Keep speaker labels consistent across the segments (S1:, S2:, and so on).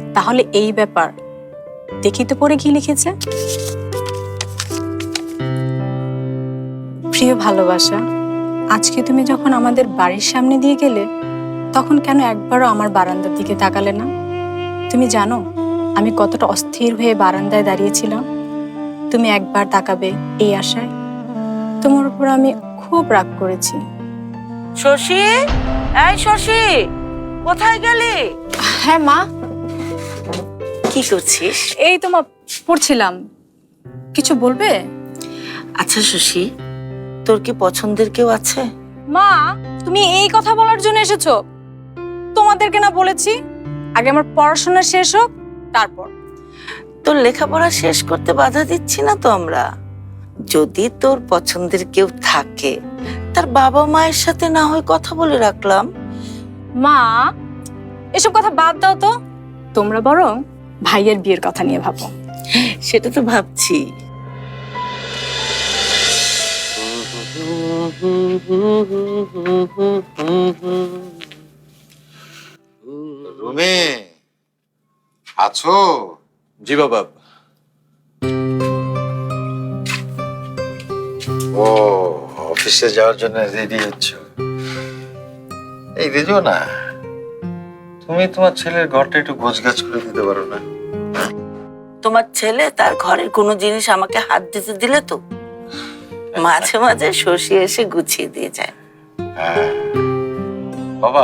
S1: তাহলে এই ব্যাপার, দেখি তো পরে কি লিখেছে। প্রিয় ভালোবাসা, আজকে তুমি যখন আমাদের বাড়ির সামনে দিয়ে গেলে তখন কেন একবারও আমার বারান্দার দিকে তাকালে না? তুমি জানো আমি কতটা অস্থির হয়ে বারান্দায় দাঁড়িয়েছিলাম তুমি একবার তাকাবে এই আশায়। তোমার উপর আমি খুব রাগ করেছি।
S2: শশী, এই শশী, কোথায় গেলি?
S1: হ্যাঁ মা।
S2: কি করছিস?
S1: এই তো মা, পড়ছিলাম। কিছু বলবে?
S2: আচ্ছা শশী, তোর কি পছন্দের কেউ আছে?
S1: মা, তুমি এই কথা বলার জন্য এসেছো? তোমাদেরকে না বলেছি আগে আমার পড়াশোনা শেষ হোক তারপর।
S2: তোর লেখাপড়া শেষ করতে বাধা দিচ্ছি না তো আমরা। যদি তোর পছন্দের কেউ থাকে তার বাবা মায়ের সাথে না হয় কথা বলে রাখলাম।
S1: মা, এসব কথা বাদ দাও তো। তোমরা বরং ভাইয়ের বিয়ের কথা নিয়ে ভাবো।
S2: সেটা তো ভাবছি।
S3: রুমে আছো?
S4: জি বাবা।
S3: ও, অফিসে যাওয়ার জন্য রেডি হচ্ছ? এই রেজো না, তুমি তোমার ছেলের ঘরটা একটু গোছগাছ করে দিতে পারো না?
S2: তোমার ছেলে তার ঘরের কোনো জিনিস আমাকে হাত দিতে দিলে তো মাঝে মাঝে শশী এসে গুছিয়ে দিয়ে যায়।
S3: হ্যাঁ বাবা,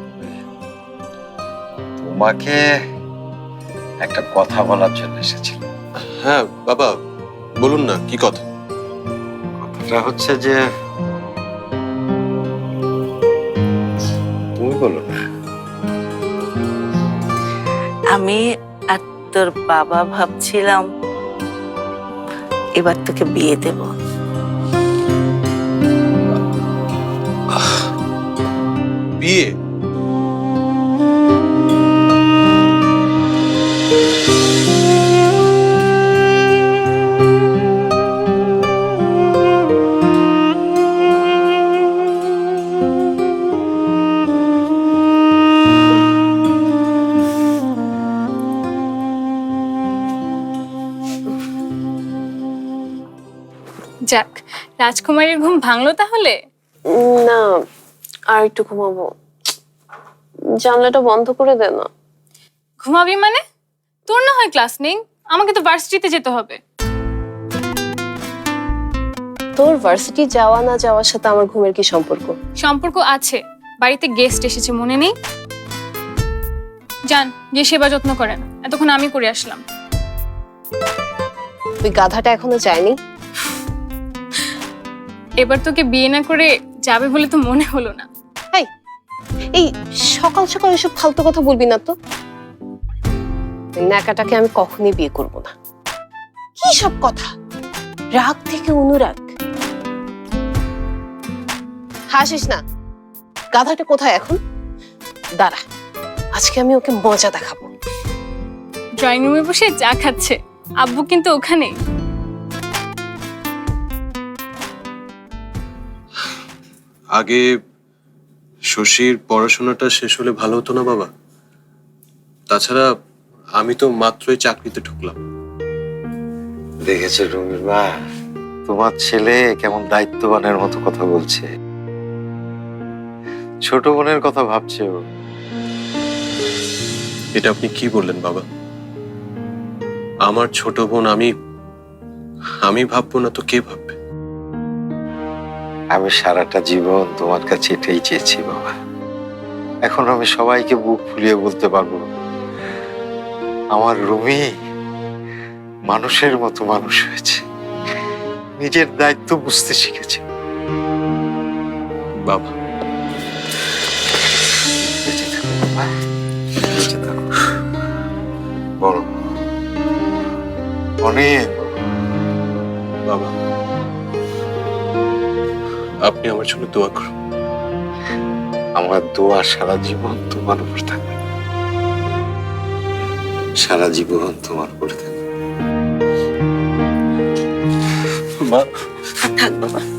S3: তোমাকে একটা কথা বলার জন্য এসেছিলাম।
S4: হ্যাঁ বাবা, বলুন না কি কথা।
S3: কথাটা হচ্ছে যে, তুমি বলো না।
S2: আমি আর তোর বাবা ভাবছিলাম এবার তোকে বিয়ে দেব।
S4: বিয়ে?
S5: যাক, রাজকুমারীর ঘুম ভাঙলো তাহলে?
S6: না, আর একটু ঘুমাবো। জানলাটা বন্ধ করে দে না।
S5: ঘুমাবি মানে? তোর না হয় ক্লাস নেই, আমাকে তো ভার্সিটিতে যেতে হবে।
S6: তোর ভার্সিটি যাওয়া না যাওয়ার সাথে আমার ঘুমের কি সম্পর্ক?
S5: সম্পর্ক আছে, বাড়িতে গেস্ট এসেছে মনে নেই? যান, গিয়ে সেবা যত্ন করেন, এতক্ষণ আমি করে আসলাম।
S6: তুই গাধাটা এখনো যায়নি?
S5: এবার তোকে বিয়ে না করে যাবে বলে তো মনে হলো না।
S6: এই সকাল সকাল এসব ফালতু কথা বলবি না তো। ওই ন্যাকাটাকে আমি কখনই বিয়ে করব না। কি সব কথা, রাগ থেকে অনুরাগ। হাসিস না। গাধাটা কোথায় এখন? দাঁড়া, আজকে আমি ওকে মজা দেখাবো।
S5: ড্রয়িং রুমে বসে চা খাচ্ছে, আব্বু কিন্তু ওখানে।
S4: আগে শশীর পড়াশোনাটা শেষ হলে ভালো হতো না বাবা? তাছাড়া আমি তো মাত্রই চাকরিতে ঢুকলাম।
S3: দেখেছো রুমির মা, তোমার ছেলে কেমন দায়িত্ববানের মতো কথা বলছে। ছোট বোনের কথা ভাবছে ও।
S4: এটা আপনি কি বললেন বাবা? আমার ছোট বোন আমি ভাববো না তো কে ভাববে?
S3: আমি সারাটা জীবন তোমার কাছে এটাই চেয়েছি বাবা। এখন আমি সবাইকে বুক ফুলিয়ে বলতে পারবো, আমার রুমি মানুষের মতো মানুষ হয়েছে, নিজের দায়িত্ব বুঝতে শিখেছে।
S4: বাবা,
S3: বেঁচে থাকো বাবা, বেঁচে থাকো। বড়, অনেক বড়।
S4: বাবা, আপনি আমার জন্য দোয়া করুন।
S3: আমার দোয়া সারা জীবন তোমার উপর থাকবে, সারা জীবন তোমার উপর থাকবে।
S4: মা,
S2: থাক বাবা।